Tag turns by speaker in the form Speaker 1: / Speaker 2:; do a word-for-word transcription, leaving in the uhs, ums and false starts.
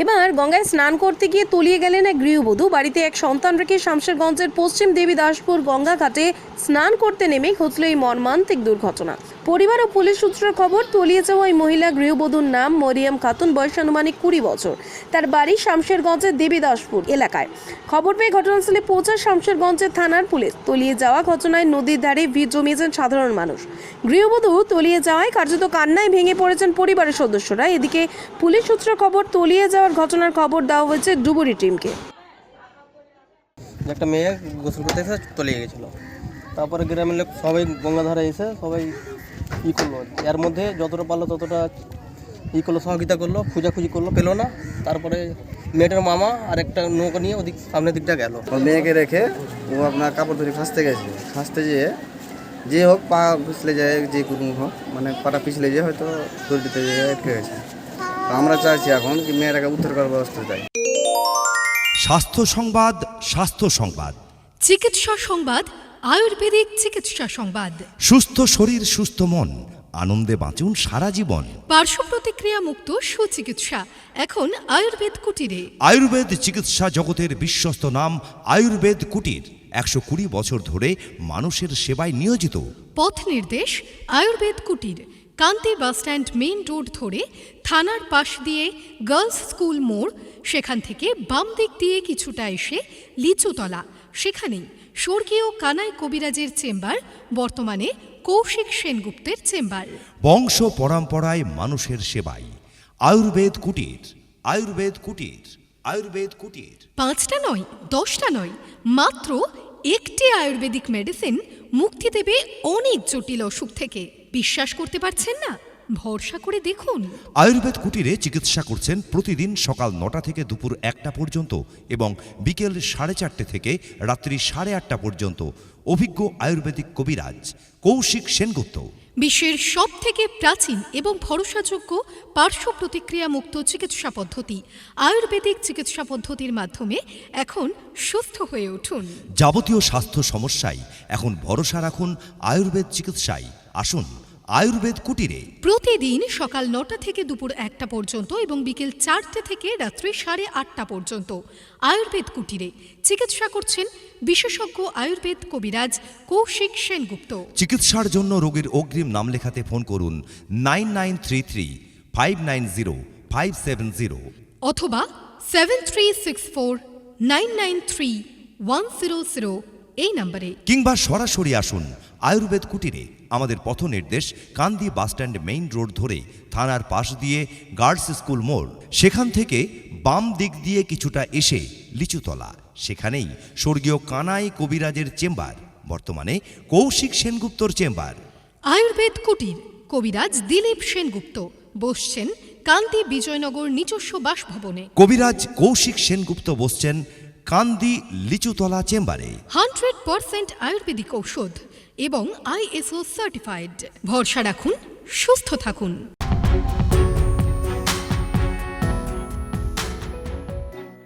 Speaker 1: এবার গঙ্গায় স্নান করতে গিয়ে তলিয়ে গেলেন এক গৃহবধূ। বাড়িতে এক সন্তান রেখে শামশেরগঞ্জের পশ্চিম দেবীদাসপুর গঙ্গা ঘাটে স্নান করতে নেমে ঘটল এই মর্মান্তিক দুর্ঘটনা। পরিবার ও পুলিশ সূত্রের খবর, তলিয়ে যাওয়া ওই মহিলা গৃহবধূর নাম মরিয়ম খাতুন, বয়স আনুমানিক কুড়ি বছর। তার বাড়ি শামশেরগঞ্জের দেবীদাসপুর এলাকায়। খবর পেয়ে ঘটনাস্থলে পৌঁছায় শামশেরগঞ্জের থানার পুলিশ। তলিয়ে যাওয়া ঘটনায় নদীর ধারে ভিড় জমিয়েছেন সাধারণ মানুষ। গৃহবধূ তলিয়ে যাওয়ায় কার্যত কান্নায় ভেঙে পড়েছেন পরিবারের সদস্যরা। এদিকে পুলিশ সূত্রের খবর, তলিয়ে যাওয়ার ঘটনার খবর দেওয়া হয়েছে ডুবুরি টিমকে।
Speaker 2: একটা মেয়ে গোসল করতে এসে তলিয়ে গেছিলো। তারপরে গ্রামের লোক সবাই গঙ্গাধারে এসে সবাই ই করলো, এর মধ্যে যতটা পারলো ততটা ই করলো, সহযোগিতা করলো, খোঁজাখুঁজি করলো, পেলো না। তারপরে মেয়েটার মামা আর একটা নৌকা নিয়ে ওদিক সামনের দিকটা গেল।
Speaker 3: মেয়েকে রেখে ও আপনার কাপড় ধরে ফাঁসতে গেছে। ফাঁসতে যেয়ে যে হোক পা পিছলে যায়, যে কোনো হোক মানে পাটা পিছলে যেয়ে হয়তো দড়িতে যেয়ে আটকে গেছে। তো আমরা চাইছি এখন কি মেয়েটাকে উদ্ধার করার ব্যবস্থা চাই।
Speaker 4: স্বাস্থ্য সংবাদ, স্বাস্থ্য সংবাদ,
Speaker 5: চিকিৎসা সংবাদ, আয়ুর্বেদিক চিকিৎসা সংবাদ।
Speaker 4: সুস্থ শরীর সুস্থ মন, আনন্দে বাঁচুন সারা জীবন।
Speaker 5: পার্শ্ব প্রতিক্রিয়া মুক্ত সুচিকিৎসা এখন আয়ুর্বেদ কুটিরে।
Speaker 4: আয়ুর্বেদ চিকিৎসা জগতের বিশ্বস্ত নাম আয়ুর্বেদ কুটির। একশো কুড়ি বছর ধরে মানুষের সেবায় নিয়োজিত।
Speaker 5: পথ নির্দেশ আয়ুর্বেদ কুটির, কান্তি বাসস্ট্যান্ড মেইন রোড ধরে থানার পাশ দিয়ে গার্লস স্কুল মোড়, সেখান থেকে বাম দিক দিয়ে কিছুটা এসে লিচুতলা, সেখানেই স্বর্গীয় কানাই কবিরাজের চেম্বার, বর্তমানে কৌশিক সেনগুপ্তের চেম্বার।
Speaker 4: বংশ পরম্পরায় মানুষের সেবায় আয়ুর্বেদ কুটির, আয়ুর্বেদ কুটির, আয়ুর্বেদ কুটির।
Speaker 5: পাঁচটা নয়, দশটা নয়, মাত্র একটি আয়ুর্বেদিক মেডিসিন মুক্তি দেবে অনেক জটিল অসুখ থেকে। বিশ্বাস করতে পারছেন না? ভরসা করে দেখুন।
Speaker 4: আয়ুর্বেদ কুটিরে চিকিৎসা করছেন প্রতিদিন সকাল নটা থেকে দুপুর একটা পর্যন্ত এবং বিকেল সাড়ে চারটে থেকে রাত্রি সাড়ে আটটা পর্যন্ত অভিজ্ঞ আয়ুর্বেদিক কবিরাজ কৌশিক সেনগুপ্ত।
Speaker 5: বিশ্বের সব থেকে প্রাচীন এবং ভরসাযোগ্য পার্শ্ব প্রতিক্রিয়া মুক্ত চিকিৎসা পদ্ধতি আয়ুর্বেদিক চিকিৎসা পদ্ধতির মাধ্যমে এখন সুস্থ হয়ে উঠুন।
Speaker 4: যাবতীয় স্বাস্থ্য সমস্যায় এখন ভরসা রাখুন আয়ুর্বেদ চিকিৎসায়। আসুন আয়ুর্বেদ কুটিরে।
Speaker 5: প্রতিদিন সকাল নটা থেকে দুপুর একটা পর্যন্ত এবং বিকেল চারটে থেকে রাত্রি সাড়ে আটটা পর্যন্ত আয়ুর্বেদ কুটিরে চিকিৎসা করছেন বিশেষজ্ঞ আয়ুর্বেদ কবিরাজ কৌশিক সেনগুপ্ত।
Speaker 4: চিকিৎসার জন্য রোগীর অগ্রিম নাম লেখাতে ফোন করুন nine nine three three five nine zero five seven zero
Speaker 5: অথবা seven three six four nine nine three one zero zero এই নম্বরে,
Speaker 4: কিংবা সরাসরি আসুন আয়ুর্বেদ কুটিরে। আমাদের পথ নির্দেশ কান্দি বাসস্ট্যান্ড মেইন রোড ধরে থানার পাশ দিয়ে গার্লস স্কুল মোড়, সেখান থেকে বাম দিক দিয়ে কিছুটা এসে লিচুতলা, সেখানেই স্বর্গীয় কানাই কবিরাজের চেম্বার, বর্তমানে কৌশিক সেনগুপ্তর চেম্বার।
Speaker 5: আয়ুর্বেদ কুটির, কবিরাজ দিলীপ সেনগুপ্ত বসছেন কান্দি বিজয়নগর নিজস্ব বাসভবনে।
Speaker 4: কবিরাজ কৌশিক সেনগুপ্ত বসছেন কান্দি লিচুতলা চেম্বারে।
Speaker 5: হান্ড্রেড পার্সেন্ট আয়ুর্বেদিক ঔষধ এবং আইএসও সার্টিফাইড। ভরসা রাখুন, সুস্থ থাকুন।